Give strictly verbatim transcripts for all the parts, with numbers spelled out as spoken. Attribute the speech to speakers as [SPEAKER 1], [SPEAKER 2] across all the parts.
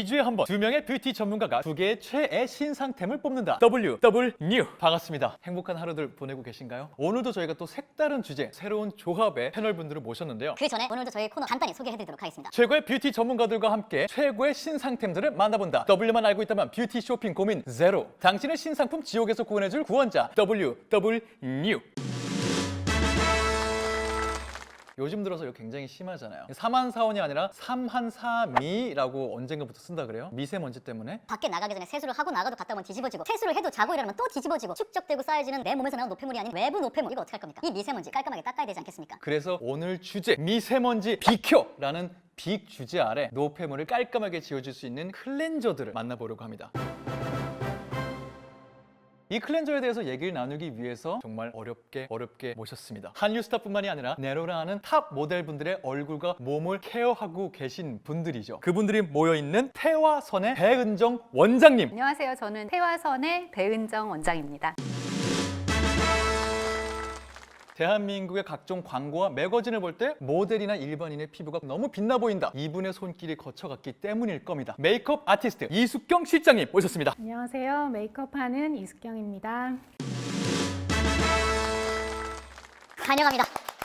[SPEAKER 1] 주에 한 번 두 명의 뷰티 전문가가 두 개의 최애 신상템을 뽑는다. 더블유 더블 뉴. 반갑습니다. 행복한 하루들 보내고 계신가요? 오늘도 저희가 또 색다른 주제, 새로운 조합의 패널분들을 모셨는데요.
[SPEAKER 2] 그 전에 오늘도 저희 코너 간단히 소개해드리도록 하겠습니다.
[SPEAKER 1] 최고의 뷰티 전문가들과 함께 최고의 신상템들을 만나본다. W만 알고 있다면 뷰티 쇼핑 고민 제로. 당신의 신상품 지옥에서 구원해줄 구원자 더블유 더블 뉴. 요즘 들어서 이거 굉장히 심하잖아요. 삼한사원이 아니라 삼한사미라고 언젠가부터 쓴다 그래요? 미세먼지 때문에?
[SPEAKER 2] 밖에 나가기 전에 세수를 하고 나가도 갔다 오면 뒤집어지고, 세수를 해도 자고 일어나면 또 뒤집어지고, 축적되고 쌓여지는 내 몸에서 나온 노폐물이 아닌 외부 노폐물, 이거 어떻게 할 겁니까? 이 미세먼지 깔끔하게 닦아야 되지 않겠습니까?
[SPEAKER 1] 그래서 오늘 주제 미세먼지 비켜라는 빅 주제 아래 노폐물을 깔끔하게 지워줄 수 있는 클렌저들을 만나보려고 합니다. 이 클렌저에 대해서 얘기를 나누기 위해서 정말 어렵게 어렵게 모셨습니다. 한류 스타뿐만이 아니라 네로라는 탑 모델분들의 얼굴과 몸을 케어하고 계신 분들이죠. 그분들이 모여있는 태화선의 배은정 원장님.
[SPEAKER 3] 안녕하세요. 저는 태화선의 배은정 원장입니다.
[SPEAKER 1] 대한민국의 각종 광고와 매거진을 볼 때 모델이나 일반인의 피부가 너무 빛나 보인다. 이분의 손길이 거쳐갔기 때문일 겁니다. 메이크업 아티스트 이숙경 실장님 모셨습니다.
[SPEAKER 4] 안녕하세요. 메이크업하는 이숙경입니다.
[SPEAKER 2] 환영합니다.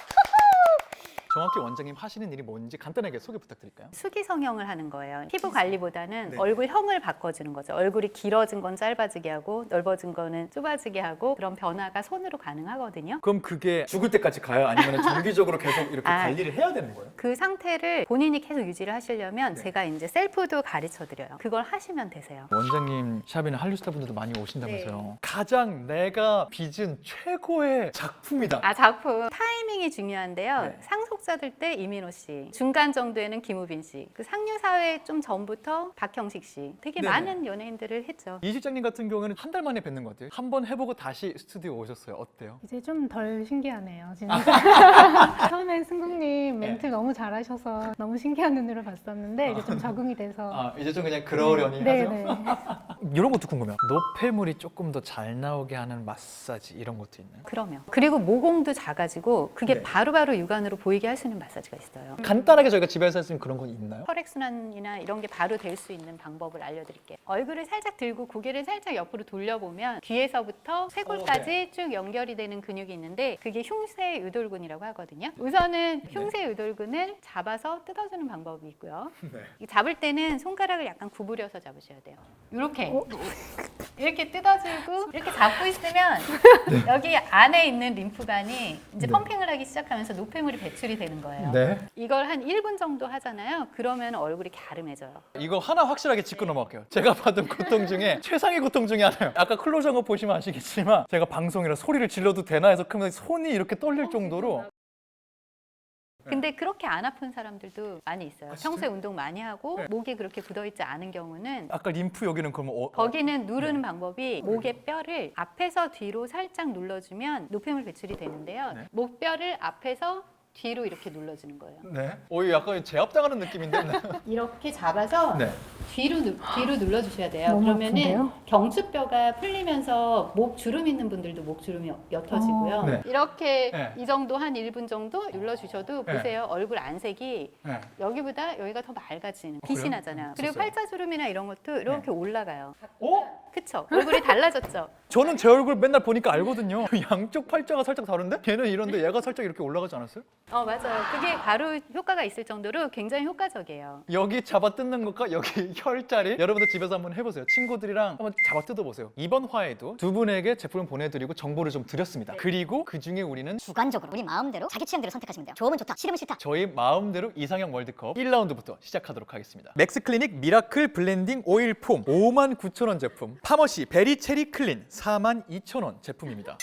[SPEAKER 1] 정확히 원장님 하시는 일이 뭔지 간단하게 소개 부탁드릴까요?
[SPEAKER 3] 수기 성형을 하는 거예요. 피부 관리보다는
[SPEAKER 1] 네.
[SPEAKER 3] 얼굴형을 바꿔주는 거죠. 얼굴이 길어진 건 짧아지게 하고 넓어진 거는 좁아지게 하고, 그런 변화가 손으로 가능하거든요.
[SPEAKER 1] 그럼 그게 죽을 때까지 가요? 아니면 정기적으로 계속 이렇게
[SPEAKER 3] 아.
[SPEAKER 1] 관리를 해야 되는 거예요?
[SPEAKER 3] 그 상태를 본인이 계속 유지를 하시려면
[SPEAKER 1] 네.
[SPEAKER 3] 제가 이제 셀프도 가르쳐 드려요. 그걸 하시면 되세요.
[SPEAKER 1] 원장님 샵에는 한류 스타분들도 많이 오신다면서요.
[SPEAKER 3] 네.
[SPEAKER 1] 가장 내가 빚은 최고의 작품이다.
[SPEAKER 3] 아, 작품 타이밍이 중요한데요.
[SPEAKER 1] 네.
[SPEAKER 3] 상속자들 때 이민호 씨, 중간 정도에는 김우빈 씨, 그 상류 사회 좀 전부터 박형식 씨, 되게
[SPEAKER 1] 네네.
[SPEAKER 3] 많은 연예인들을 했죠.
[SPEAKER 1] 이 실장님 같은 경우에는 한 달 만에 뵙는 것 같아요. 한 번 해보고 다시 스튜디오 오셨어요. 어때요?
[SPEAKER 4] 이제 좀 덜 신기하네요. 진짜. 처음엔 승국님 멘트
[SPEAKER 1] 네.
[SPEAKER 4] 너무 잘하셔서 너무 신기한 눈으로 봤었는데 이제 좀 적응이 돼서.
[SPEAKER 1] 아 이제 좀 그냥 그러려니
[SPEAKER 4] 네,
[SPEAKER 1] 하죠?
[SPEAKER 4] 네.
[SPEAKER 1] 이런 것도 궁금해요. 노폐물이 조금 더 잘 나오게 하는 마사지 이런 것도 있나요?
[SPEAKER 3] 그러면 그리고 모공도 작아지고 그게
[SPEAKER 1] 네.
[SPEAKER 3] 바로바로 육안으로 보이게 할 수 있는 마사지가 있어요.
[SPEAKER 1] 간단하게 저희가 집에서 할 수 있는 그런 건 있나요?
[SPEAKER 3] 혈액순환이나 이런 게 바로 될 수 있는 방법을 알려드릴게요. 얼굴을 살짝 들고 고개를 살짝 옆으로 돌려보면 귀에서부터 쇄골까지 쭉 연결이 되는 근육이 있는데, 그게 흉쇄 유돌근이라고 하거든요. 우선은 흉쇄 유돌근을 잡아서 뜯어주는 방법이 있고요. 이 잡을 때는 손가락을 약간 구부려서 잡으셔야 돼요. 이렇게 이렇게 뜯어주고 이렇게 잡고 있으면 여기 안에 있는 림프관이 이제
[SPEAKER 1] 네.
[SPEAKER 3] 펌핑을 하기 시작하면서 노폐물이 배출이 되는 거예요.
[SPEAKER 1] 네.
[SPEAKER 3] 이걸 한 일 분 정도 하잖아요. 그러면 얼굴이 갸름해져요.
[SPEAKER 1] 이거 하나 확실하게 짚고 넘어갈게요. 제가 받은 고통 중에 최상의 고통 중에 하나예요. 아까 클로즈한 거 보시면 아시겠지만 제가 방송이라 소리를 질러도 되나 해서 그러면 손이 이렇게 떨릴 정도로.
[SPEAKER 3] 근데 그렇게 안 아픈 사람들도 많이 있어요.
[SPEAKER 1] 아, 진짜요?
[SPEAKER 3] 평소에 운동 많이 하고
[SPEAKER 1] 네.
[SPEAKER 3] 목이 그렇게 굳어있지 않은 경우는
[SPEAKER 1] 아까 림프 여기는 그러면 어, 어,
[SPEAKER 3] 거기는 누르는 방법이 목의 뼈를 앞에서 뒤로 살짝 눌러주면 노폐물 배출이 되는데요.
[SPEAKER 1] 네.
[SPEAKER 3] 목뼈를 앞에서 뒤로 이렇게 눌러주는 거예요.
[SPEAKER 1] 네. 오, 이거 약간 제압당하는 느낌인데. 네.
[SPEAKER 3] 이렇게 잡아서
[SPEAKER 1] 네.
[SPEAKER 3] 뒤로 누, 뒤로 눌러주셔야 돼요.
[SPEAKER 4] 너무
[SPEAKER 3] 그러면은
[SPEAKER 4] 아픈데요?
[SPEAKER 3] 경추뼈가 풀리면서 목 주름 있는 분들도 목 주름이 옅어지고요.
[SPEAKER 4] 어.
[SPEAKER 1] 네.
[SPEAKER 3] 이렇게
[SPEAKER 1] 네.
[SPEAKER 3] 이 정도 한 일 분 정도 눌러주셔도
[SPEAKER 1] 네.
[SPEAKER 3] 보세요. 얼굴 안색이
[SPEAKER 1] 네.
[SPEAKER 3] 여기보다 여기가 더 맑아지는,
[SPEAKER 1] 어,
[SPEAKER 3] 빛이
[SPEAKER 1] 그래요?
[SPEAKER 3] 나잖아요.
[SPEAKER 1] 음,
[SPEAKER 3] 그리고
[SPEAKER 1] 있었어요.
[SPEAKER 3] 팔자주름이나 이런 것도 이렇게 올라가요.
[SPEAKER 1] 어?
[SPEAKER 3] 그쵸? 얼굴이 달라졌죠?
[SPEAKER 1] 저는 제 얼굴 맨날 보니까 알거든요. 양쪽 팔자가 살짝 다른데? 걔는 이런데 얘가 살짝 이렇게 올라가지 않았어요?
[SPEAKER 3] 어, 맞아요. 그게 바로 효과가 있을 정도로 굉장히 효과적이에요.
[SPEAKER 1] 여기 잡아 뜯는 것과 여기 혈자리 여러분들 집에서 한번 해보세요. 친구들이랑 한번 잡아 뜯어보세요. 이번 화에도 두 분에게 제품을 보내드리고 정보를 좀 드렸습니다. 그리고 그 중에 우리는
[SPEAKER 2] 주관적으로 우리 마음대로 자기 취향대로 선택하시면 돼요. 좋으면 좋다, 싫으면 싫다.
[SPEAKER 1] 저희 마음대로 이상형 월드컵 일 라운드부터 시작하도록 하겠습니다. 맥스클리닉 미라클 블렌딩 오일 폼 오만 구천 원 제품, 파머시 베리 체리 클린 사만 이천 원 제품입니다.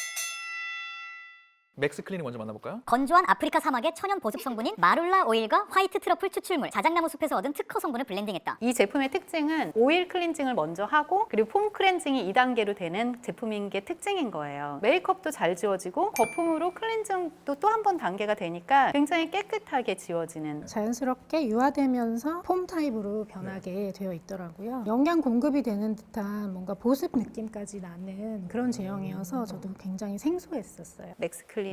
[SPEAKER 1] 맥스클리닉 먼저 만나볼까요?
[SPEAKER 2] 건조한 아프리카 사막의 천연 보습 성분인 마룰라 오일과 화이트 트러플 추출물, 자작나무 숲에서 얻은 특허 성분을 블렌딩했다.
[SPEAKER 3] 이 제품의 특징은 오일 클렌징을 먼저 하고 그리고 폼 클렌징이 이 단계로 되는 제품인 게 특징인 거예요. 메이크업도 잘 지워지고 거품으로 클렌징도 또 한 번 단계가 되니까 굉장히 깨끗하게 지워지는.
[SPEAKER 4] 자연스럽게 유화되면서 폼 타입으로 변하게 되어 있더라고요. 영양 공급이 되는 듯한 뭔가 보습 느낌까지 나는 그런 제형이어서 저도 굉장히 생소했었어요.
[SPEAKER 3] 맥스클리닉을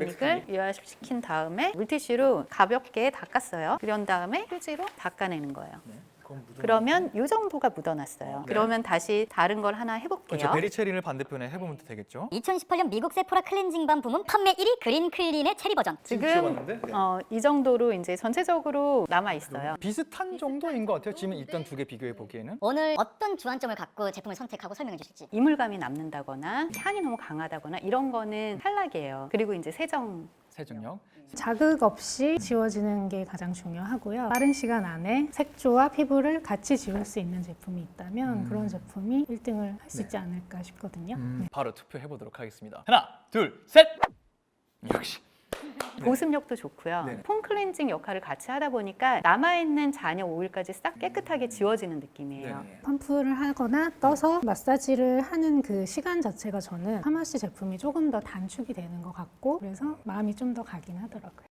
[SPEAKER 3] 유화시킨 다음에 물티슈로 가볍게 닦았어요. 그런 다음에 휴지로 닦아내는 거예요. 그러면 이 정도가 묻어났어요.
[SPEAKER 1] 네.
[SPEAKER 3] 그러면 다시 다른 걸 하나 해볼게요.
[SPEAKER 1] 그렇죠. 베리체리를 반대편에 해보면 되겠죠.
[SPEAKER 2] 이천십팔 년 미국 세포라 클렌징 밤 부문 판매 일 위 그린 클린의 체리 버전.
[SPEAKER 3] 지금
[SPEAKER 1] 지워봤는데? 네.
[SPEAKER 3] 어, 이 정도로 이제 전체적으로 남아 있어요.
[SPEAKER 1] 비슷한 정도인 것 같아요. 지금 일단 두 개 비교해 보기에는.
[SPEAKER 2] 오늘 어떤 주안점을 갖고 제품을 선택하고 설명해 주실지.
[SPEAKER 3] 이물감이 남는다거나 향이 너무 강하다거나 이런 거는 탈락이에요. 그리고 이제 세정
[SPEAKER 1] 세정력.
[SPEAKER 4] 자극 없이 지워지는 게 가장 중요하고요. 빠른 시간 안에 색조와 피부를 같이 지울 수 있는 제품이 있다면
[SPEAKER 1] 음.
[SPEAKER 4] 그런 제품이 일 등을 할 수
[SPEAKER 1] 네.
[SPEAKER 4] 있지 않을까 싶거든요.
[SPEAKER 1] 음, 바로 투표해 보도록 하겠습니다. 하나, 둘, 셋. 역시.
[SPEAKER 3] 보습력도 좋고요.
[SPEAKER 1] 네.
[SPEAKER 3] 폼 클렌징 역할을 같이 하다 보니까 남아있는 잔여 오일까지 싹 깨끗하게 지워지는 느낌이에요.
[SPEAKER 1] 네.
[SPEAKER 4] 펌프를 하거나 떠서 마사지를 하는 그 시간 자체가 저는 파마시 제품이 조금 더 단축이 되는 것 같고 그래서 마음이 좀 더 가긴 하더라고요.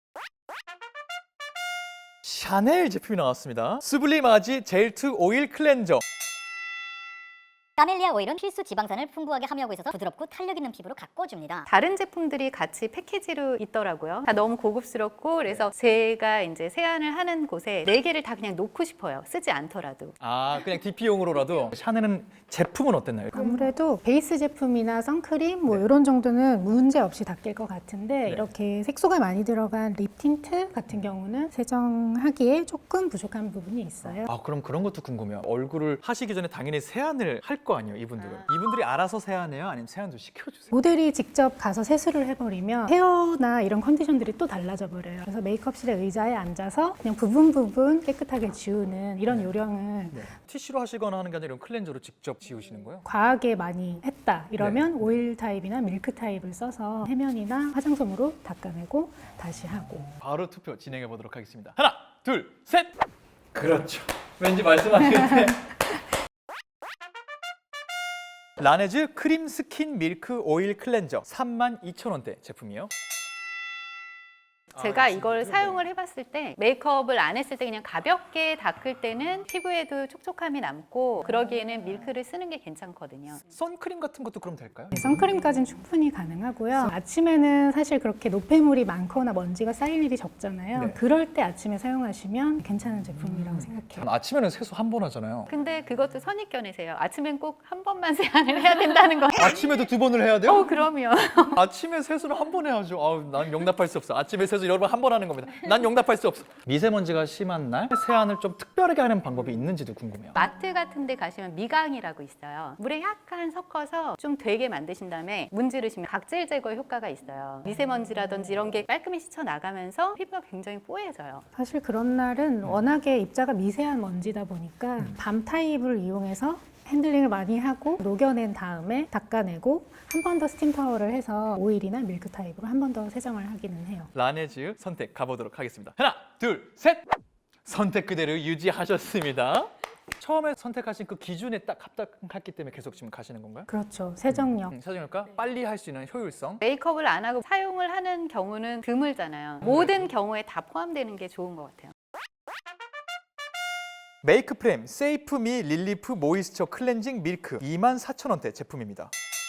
[SPEAKER 1] 샤넬 제품이 나왔습니다. 수블리마지 젤트 오일 클렌저.
[SPEAKER 2] 까멜리아 오일은 필수 지방산을 풍부하게 함유하고 있어서 부드럽고 탄력 있는 피부로 가꿔줍니다.
[SPEAKER 3] 다른 제품들이 같이 패키지로 있더라고요. 다 너무 고급스럽고 그래서 제가 이제 세안을 하는 곳에 네 개를 다 그냥 놓고 싶어요. 쓰지 않더라도.
[SPEAKER 1] 아, 그냥 디피용으로라도. 샤넬은 제품은 어땠나요?
[SPEAKER 4] 아무래도 베이스 제품이나 선크림 뭐 이런 정도는 문제 없이 닦일 것 같은데
[SPEAKER 1] 네.
[SPEAKER 4] 이렇게 색소가 많이 들어간 립 틴트 같은 경우는 세정하기에 조금 부족한 부분이 있어요.
[SPEAKER 1] 아, 그럼 그런 것도 궁금해요. 얼굴을 하시기 전에 당연히 세안을 할 거 아니에요, 이분들은. 이분들이 알아서 세안해요? 아니면 세안도 시켜주세요?
[SPEAKER 4] 모델이 직접 가서 세수를 해버리면 헤어나 이런 컨디션들이 또 달라져 버려요. 그래서 메이크업실의 의자에 앉아서 그냥 부분 부분 깨끗하게 지우는 이런 요령을
[SPEAKER 1] 네. 티슈로 하시거나 하는 게 아니라 이런 클렌저로 직접 지우시는 거예요?
[SPEAKER 4] 과하게 많이 했다 이러면 오일 타입이나 밀크 타입을 써서 해면이나 화장솜으로 닦아내고 다시 하고.
[SPEAKER 1] 바로 투표 진행해 보도록 하겠습니다. 하나, 둘, 셋. 그렇죠. 왠지 말씀하시는데. 라네즈 크림 스킨 밀크 오일 클렌저 삼만 이천 원대 제품이에요.
[SPEAKER 3] 제가
[SPEAKER 1] 아,
[SPEAKER 3] 이걸
[SPEAKER 1] 진짜요?
[SPEAKER 3] 사용을 해봤을 때 메이크업을 안 했을 때 그냥 가볍게 닦을 때는 피부에도 촉촉함이 남고 그러기에는 밀크를 쓰는 게 괜찮거든요.
[SPEAKER 1] 선크림 같은 것도 그럼 될까요?
[SPEAKER 4] 네, 선크림까지는 충분히 가능하고요. 아침에는 사실 그렇게 노폐물이 많거나 먼지가 쌓일 일이 적잖아요.
[SPEAKER 1] 네.
[SPEAKER 4] 그럴 때 아침에 사용하시면 괜찮은 제품이라고
[SPEAKER 1] 전
[SPEAKER 4] 생각해요.
[SPEAKER 1] 아침에는 세수 한 번 하잖아요.
[SPEAKER 3] 근데 그것도 선입견이세요. 아침엔 꼭 한 번만 세안을 해야 된다는 거.
[SPEAKER 1] 아침에도 두 번을 해야 돼요?
[SPEAKER 3] 어, 그럼요.
[SPEAKER 1] 아침에 세수는 한 번 해야죠. 아우, 난 용납할 수 없어. 아침에 세수 여러분 한 번 하는 겁니다. 난 용납할 수 없어. 미세먼지가 심한 날 세안을 좀 특별하게 하는 방법이 있는지도 궁금해요.
[SPEAKER 3] 마트 같은 데 가시면 미강이라고 있어요. 물에 약간 섞어서 좀 되게 만드신 다음에 문지르시면 각질 제거 효과가 있어요. 미세먼지라든지 이런 게 깔끔히 씻어 나가면서 피부가 굉장히 뽀얘져요.
[SPEAKER 4] 사실 그런 날은 워낙에 입자가 미세한 먼지다 보니까 밤 타입을 이용해서 핸들링을 많이 하고 녹여낸 다음에 닦아내고 한 번 더 스팀 타월을 해서 오일이나 밀크 타입으로 한 번 더 세정을 하기는 해요.
[SPEAKER 1] 라네즈 선택 가보도록 하겠습니다. 하나, 둘, 셋. 선택 그대로 유지하셨습니다. 처음에 선택하신 그 기준에 딱 합당했기 때문에 계속 지금 가시는 건가요?
[SPEAKER 4] 그렇죠. 세정력.
[SPEAKER 1] 음, 세정력과 빨리 할 수 있는 효율성.
[SPEAKER 3] 메이크업을 안 하고 사용을 하는 경우는 드물잖아요. 모든 경우에 다 포함되는 게 좋은 것 같아요.
[SPEAKER 1] 메이크 프렘 세이프 미 릴리프 모이스처 클렌징 밀크 이만 사천 원대 제품입니다.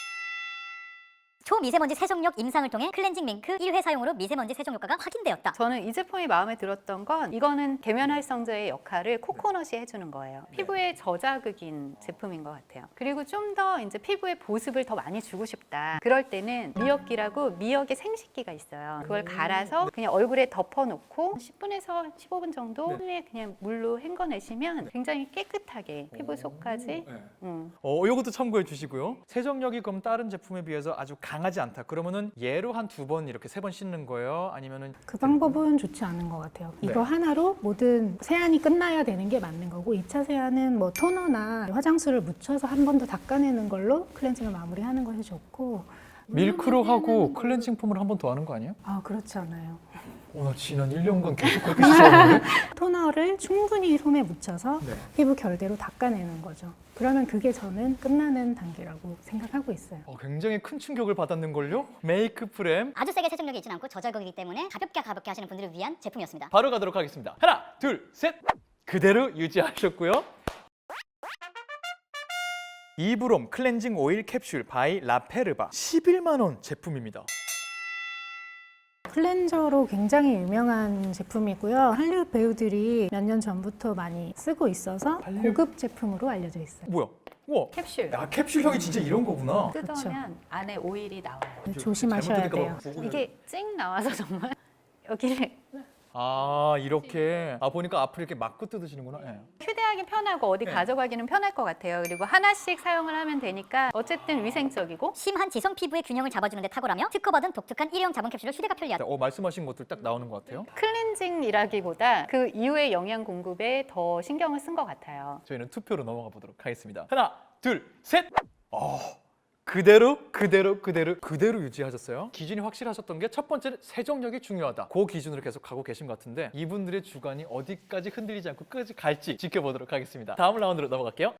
[SPEAKER 2] 초미세먼지 세정력 임상을 통해 클렌징 밍크 일 회 사용으로 미세먼지 세정 효과가 확인되었다.
[SPEAKER 3] 저는 이 제품이 마음에 들었던 건 이거는 계면 활성제의 역할을 코코넛이 해주는 거예요. 피부에 저자극인 제품인 것 같아요. 그리고 좀 더 이제 피부에 보습을 더 많이 주고 싶다. 그럴 때는 미역기라고 미역의 생식기가 있어요. 그걸 갈아서 그냥 얼굴에 덮어놓고 십 분에서 십오 분 정도 후에 그냥 물로 헹궈내시면 굉장히 깨끗하게 피부 속까지. 음.
[SPEAKER 1] 어, 이것도 참고해 주시고요. 세정력이 그럼 다른 제품에 비해서 아주 강하지 않다. 그러면은 얘로 한 두 번 이렇게 세 번 씻는 거예요? 아니면은
[SPEAKER 4] 그 방법은 좋지 않은 것 같아요.
[SPEAKER 1] 네.
[SPEAKER 4] 이거 하나로 모든 세안이 끝나야 되는 게 맞는 거고 이 차 세안은 뭐 토너나 화장수를 묻혀서 한 번 더 닦아내는 걸로 클렌징을 마무리하는 것이 좋고
[SPEAKER 1] 밀크로 하고 클렌징 폼을 한 번 더 하는 거 아니에요?
[SPEAKER 4] 아 그렇지 않아요.
[SPEAKER 1] 어, 나 지난 일 년간 계속 그렇게 씻었는데?
[SPEAKER 4] 토너를 충분히 솜에 묻혀서
[SPEAKER 1] 네.
[SPEAKER 4] 피부 결대로 닦아내는 거죠. 그러면 그게 저는 끝나는 단계라고 생각하고 있어요.
[SPEAKER 1] 어, 굉장히 큰 충격을 받았는걸요? 메이크 프렘
[SPEAKER 2] 아주 세게 세정력이 있진 않고 저자극이기 때문에 가볍게 가볍게 하시는 분들을 위한 제품이었습니다.
[SPEAKER 1] 바로 가도록 하겠습니다. 하나, 둘, 셋. 그대로 유지하셨고요. 이브롬 클렌징 오일 캡슐 바이 라페르바 십일만 원 제품입니다.
[SPEAKER 4] 클렌저로 굉장히 유명한 제품이고요. 할리우드 배우들이 몇 년 전부터 많이 쓰고 있어서 고급 제품으로 알려져 있어요.
[SPEAKER 1] 뭐야? 우와.
[SPEAKER 3] 캡슐.
[SPEAKER 1] 야, 캡슐형이 진짜 이런 거구나.
[SPEAKER 3] 뜯으면 안에 오일이 나와요.
[SPEAKER 4] 조심하셔야 돼요.
[SPEAKER 3] 이게 찡 나와서 정말 여기를
[SPEAKER 1] 아, 이렇게. 아, 보니까 앞을 이렇게 막고 뜯으시는구나. 예.
[SPEAKER 3] 휴대하기 편하고 어디
[SPEAKER 1] 네.
[SPEAKER 3] 가져가기는 편할 것 같아요. 그리고 하나씩 사용을 하면 되니까 어쨌든 위생적이고
[SPEAKER 2] 심한 지성 피부의 균형을 잡아주는 데 탁월하며 특허받은 독특한 일회용 자본 캡슐로 휴대가 편리하다.
[SPEAKER 1] 자, 어, 말씀하신 것들 딱 나오는 것 같아요.
[SPEAKER 3] 클렌징이라기보다 그 이후의 영양 공급에 더 신경을 쓴 것 같아요.
[SPEAKER 1] 저희는 투표로 넘어가 보도록 하겠습니다. 하나, 둘, 셋. 어, 그대로 그대로 그대로 그대로 유지하셨어요. 기준이 확실하셨던 게 첫 번째는 세정력이 중요하다. 그 기준으로 계속 가고 계신 것 같은데 이분들의 주관이 어디까지 흔들리지 않고 끝까지 갈지 지켜보도록 하겠습니다. 다음 라운드로 넘어갈게요.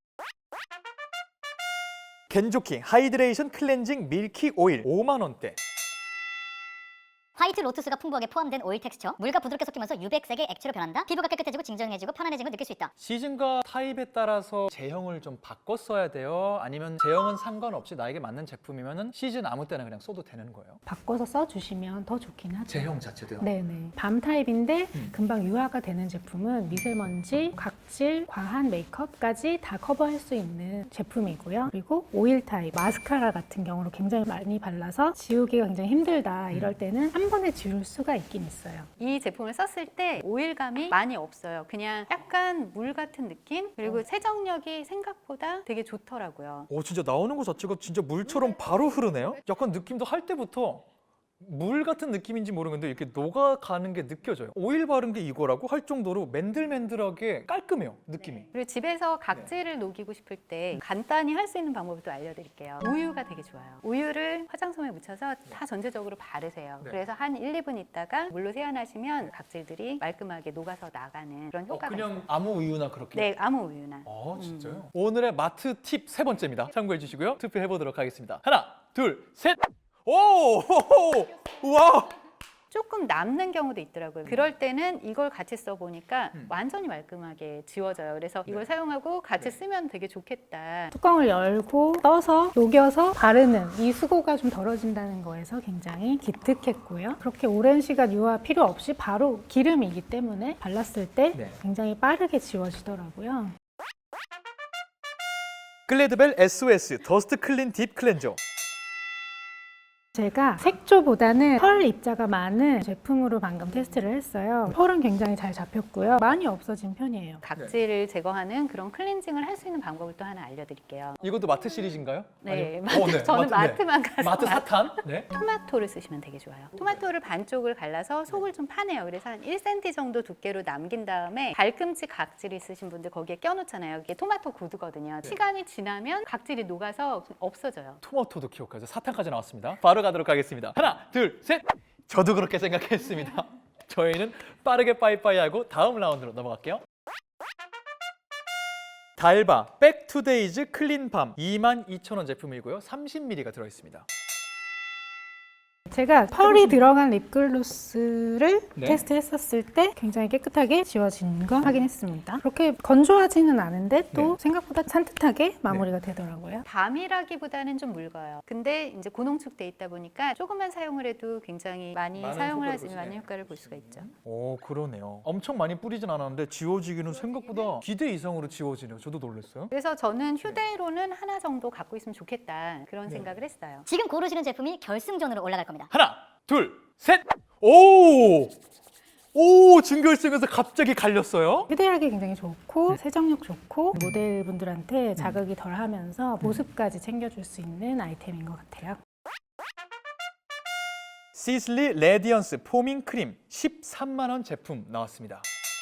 [SPEAKER 1] 겐조킹 하이드레이션 클렌징 밀키 오일 오만 원대.
[SPEAKER 2] 화이트 로투스가 풍부하게 포함된 오일 텍스처, 물과 부드럽게 섞이면서 유백색의 액체로 변한다. 피부가 깨끗해지고 진정해지고 편안해지는 걸 느낄 수 있다.
[SPEAKER 1] 시즌과 타입에 따라서 제형을 좀 바꿔 써야 돼요? 아니면 제형은 상관없이 나에게 맞는 제품이면 시즌 아무 때나 그냥 써도 되는 거예요?
[SPEAKER 4] 바꿔서 써주시면 더 좋긴 하죠.
[SPEAKER 1] 제형 자체도요?
[SPEAKER 4] 네네. 밤 타입인데
[SPEAKER 1] 음.
[SPEAKER 4] 금방 유화가 되는 제품은 미세먼지, 각질, 과한 메이크업까지 다 커버할 수 있는 제품이고요. 그리고 오일 타입, 마스카라 같은 경우로 굉장히 많이 발라서 지우기가 굉장히 힘들다. 이럴 때는 한 번에 지울 수가 있긴 있어요.
[SPEAKER 3] 이 제품을 썼을 때 오일감이 많이 없어요. 그냥 약간 물 같은 느낌? 그리고 세정력이 생각보다 되게 좋더라고요.
[SPEAKER 1] 오, 진짜 나오는 것 자체가 진짜 물처럼 바로 흐르네요? 약간 느낌도 할 때부터 물 같은 느낌인지 모르겠는데 이렇게 녹아가는 게 느껴져요. 오일 바른 게 이거라고 할 정도로 맨들맨들하게 깔끔해요, 느낌이.
[SPEAKER 3] 그리고 집에서 각질을 녹이고 싶을 때 간단히 할 수 있는 방법을 또 알려드릴게요. 우유가 되게 좋아요. 우유를 화장솜에 묻혀서 다 전체적으로 바르세요.
[SPEAKER 1] 네.
[SPEAKER 3] 그래서 한 일, 이 분 있다가 물로 세안하시면 각질들이 말끔하게 녹아서 나가는 그런
[SPEAKER 1] 어,
[SPEAKER 3] 효과가
[SPEAKER 1] 그냥
[SPEAKER 3] 있어요.
[SPEAKER 1] 아무 우유나 그렇게?
[SPEAKER 3] 네, 아무 우유나.
[SPEAKER 1] 아, 진짜요? 오늘의 마트 팁 세 번째입니다. 참고해 주시고요. 투표해 보도록 하겠습니다. 하나, 둘, 셋. 오! 호호! 우와!
[SPEAKER 3] 조금 남는 경우도 있더라고요. 그럴 때는 이걸 같이 써보니까
[SPEAKER 1] 음.
[SPEAKER 3] 완전히 말끔하게 지워져요. 그래서 이걸
[SPEAKER 1] 네.
[SPEAKER 3] 사용하고 같이
[SPEAKER 1] 네.
[SPEAKER 3] 쓰면 되게 좋겠다.
[SPEAKER 4] 뚜껑을 열고 떠서 녹여서 바르는 이 수고가 좀 덜어진다는 거에서 굉장히 기특했고요. 그렇게 오랜 시간 유화 필요 없이 바로 기름이기 때문에 발랐을 때
[SPEAKER 1] 네.
[SPEAKER 4] 굉장히 빠르게 지워지더라고요.
[SPEAKER 1] 글래드벨 에스오에스 더스트 클린 딥 클렌저.
[SPEAKER 4] 제가 색조보다는 펄 입자가 많은 제품으로 방금 테스트를 했어요. 펄은 굉장히 잘 잡혔고요. 많이 없어진 편이에요.
[SPEAKER 3] 각질을 제거하는 그런 클렌징을 할 수 있는 방법을 또 하나 알려드릴게요.
[SPEAKER 1] 이것도 마트 시리즈인가요?
[SPEAKER 3] 네,
[SPEAKER 1] 아니요?
[SPEAKER 3] 마트,
[SPEAKER 1] 어, 네.
[SPEAKER 3] 저는
[SPEAKER 1] 마트, 네.
[SPEAKER 3] 마트만 가서
[SPEAKER 1] 마트
[SPEAKER 3] 마-
[SPEAKER 1] 사탄? 네.
[SPEAKER 3] 토마토를 쓰시면 되게 좋아요. 토마토를 반쪽을 갈라서 속을 좀 파내요. 그래서 한 일 센티미터 정도 두께로 남긴 다음에 발꿈치 각질 있으신 분들 거기에 껴놓잖아요. 이게 토마토 구두거든요.
[SPEAKER 1] 네.
[SPEAKER 3] 시간이 지나면 각질이 녹아서 없어져요.
[SPEAKER 1] 토마토도 기억하죠. 사탕까지 나왔습니다. 바로 가도록 하겠습니다. 하나, 둘, 셋. 저도 그렇게 생각했습니다. 저희는 빠르게 빠이빠이하고 다음 라운드로 넘어갈게요. 달바 백투데이즈 클린밤 이만 이천 원 제품이고요. 삼십 밀리리터가 들어있습니다.
[SPEAKER 4] 제가 펄이 들어간 립글로스를
[SPEAKER 1] 네.
[SPEAKER 4] 테스트했었을 때 굉장히 깨끗하게 지워진 거 확인했습니다. 그렇게 건조하지는 않은데 또
[SPEAKER 1] 네.
[SPEAKER 4] 생각보다 산뜻하게 마무리가 되더라고요.
[SPEAKER 3] 밤이라기보다는 좀 묽어요. 근데 이제 고농축돼 있다 보니까 조금만 사용을 해도 굉장히 많이
[SPEAKER 1] 많은
[SPEAKER 3] 사용을
[SPEAKER 1] 효과를
[SPEAKER 3] 할 수 있는
[SPEAKER 1] 보시네.
[SPEAKER 3] 많은 효과를 볼 수가 있죠.
[SPEAKER 1] 오, 그러네요. 엄청 많이 뿌리진 않았는데 지워지기는 생각보다 기대 이상으로 지워지네요. 저도 놀랐어요.
[SPEAKER 3] 그래서 저는 휴대로는 하나 정도 갖고 있으면 좋겠다 그런
[SPEAKER 1] 네.
[SPEAKER 3] 생각을 했어요.
[SPEAKER 2] 지금 고르시는 제품이 결승전으로 올라갈 겁니다.
[SPEAKER 1] 하나, 둘, 셋. 오! 오, 준결승에서 갑자기 갈렸어요.
[SPEAKER 4] 휴대하기 굉장히 좋고 세정력 좋고 모델분들한테 자극이 덜하면서 보습까지 챙겨줄 수 있는 아이템인 것 같아요.
[SPEAKER 1] 시슬리 레디언스 포밍 크림 십삼만 원 제품 나왔습니다.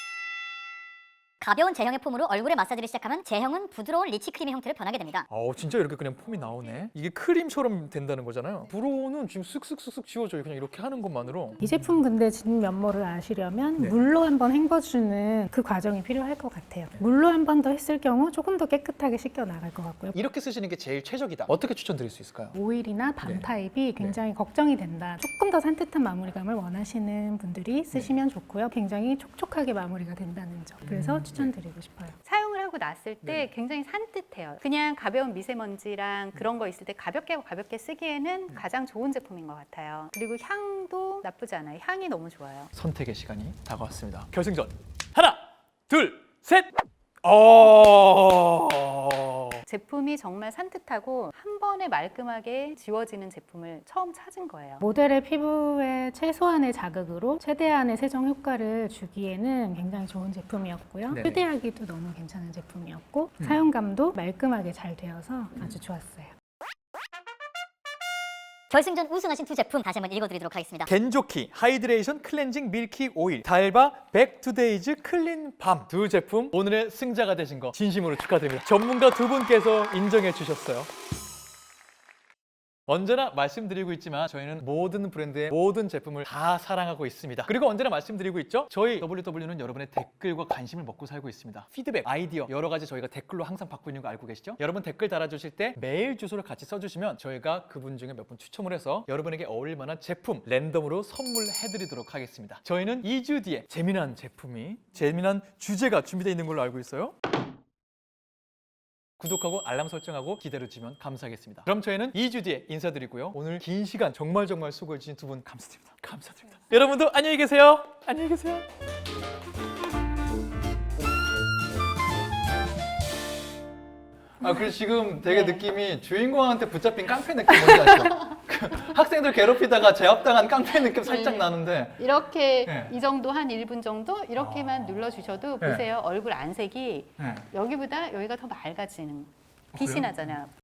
[SPEAKER 2] 가벼운 제형의 폼으로 얼굴에 마사지를 시작하면 제형은 부드러운 리치 크림의 형태로 변하게 됩니다.
[SPEAKER 1] 어, 진짜 이렇게 그냥 폼이 나오네. 이게 크림처럼 된다는 거잖아요. 브로우는 지금 쓱쓱쓱쓱 지워져요. 그냥 이렇게 하는 것만으로.
[SPEAKER 4] 이 제품 근데 진 면모를 아시려면
[SPEAKER 1] 네.
[SPEAKER 4] 물로 한번 헹궈주는 그 과정이 필요할 것 같아요. 물로 한 번 더 했을 경우 조금 더 깨끗하게 씻겨 나갈 것 같고요.
[SPEAKER 1] 이렇게 쓰시는 게 제일 최적이다. 어떻게 추천드릴 수 있을까요?
[SPEAKER 4] 오일이나 밤
[SPEAKER 1] 네.
[SPEAKER 4] 타입이 굉장히 걱정이 된다. 조금 더 산뜻한 마무리감을 원하시는 분들이 쓰시면 좋고요. 굉장히 촉촉하게 마무리가 된다는 점. 그래서
[SPEAKER 1] 음,
[SPEAKER 4] 추천드리고 싶어요.
[SPEAKER 3] 사용을 하고 바르고 났을 때
[SPEAKER 1] 네.
[SPEAKER 3] 굉장히 산뜻해요. 그냥 가벼운 미세먼지랑 그런 거 있을 때 가볍게 가볍게 쓰기에는 가장 좋은 제품인 것 같아요. 그리고 향도 나쁘지 않아요. 향이 너무 좋아요.
[SPEAKER 1] 선택의 시간이 다가왔습니다. 결승전 하나, 둘, 셋. 어.
[SPEAKER 3] 제품이 정말 산뜻하고 한 번에 말끔하게 지워지는 제품을 처음 찾은 거예요.
[SPEAKER 4] 모델의 피부에 최소한의 자극으로 최대한의 세정 효과를 주기에는 굉장히 좋은 제품이었고요.
[SPEAKER 1] 네네.
[SPEAKER 4] 휴대하기도 너무 괜찮은 제품이었고 사용감도 말끔하게 잘 되어서 아주 좋았어요.
[SPEAKER 2] 결승전 우승하신 두 제품 다시 한번 읽어드리도록 하겠습니다.
[SPEAKER 1] 겐조키 하이드레이션 클렌징 밀키 오일, 달바 백투데이즈 클린 밤 두 제품 오늘의 승자가 되신 거 진심으로 축하드립니다. 전문가 두 분께서 인정해 주셨어요. 언제나 말씀드리고 있지만 저희는 모든 브랜드의 모든 제품을 다 사랑하고 있습니다. 그리고 언제나 말씀드리고 있죠. 저희 더블유더블유는 여러분의 댓글과 관심을 먹고 살고 있습니다. 피드백, 아이디어 여러 가지 저희가 댓글로 항상 받고 있는 거 알고 계시죠? 여러분 댓글 달아주실 때 메일 주소를 같이 써주시면 저희가 그분 중에 몇 분 추첨을 해서 여러분에게 어울릴 만한 제품 랜덤으로 선물해드리도록 하겠습니다. 저희는 이 주 뒤에 재미난 제품이 재미난 주제가 준비되어 있는 걸로 알고 있어요. 구독하고 알람 설정하고 기다려주시면 감사하겠습니다. 그럼 저희는 이 주 뒤에 인사드리고요. 오늘 긴 시간 정말 정말 수고해주신 두 분 감사드립니다. 감사드립니다. 여러분도 안녕히 계세요. 안녕히 계세요. 아, 그래서 지금 되게
[SPEAKER 3] 네.
[SPEAKER 1] 느낌이 주인공한테 붙잡힌 깡패 느낌 뭔지 아시죠? 그 학생들 괴롭히다가 제압당한 깡패 느낌 살짝
[SPEAKER 3] 네.
[SPEAKER 1] 나는데
[SPEAKER 3] 이렇게
[SPEAKER 1] 네.
[SPEAKER 3] 이 정도 한 일 분 정도 이렇게만
[SPEAKER 1] 아.
[SPEAKER 3] 눌러주셔도
[SPEAKER 1] 네.
[SPEAKER 3] 보세요. 얼굴 안색이
[SPEAKER 1] 네.
[SPEAKER 3] 여기보다 여기가 더 맑아지는
[SPEAKER 1] 어,
[SPEAKER 3] 빛이
[SPEAKER 1] 그래요?
[SPEAKER 3] 나잖아요.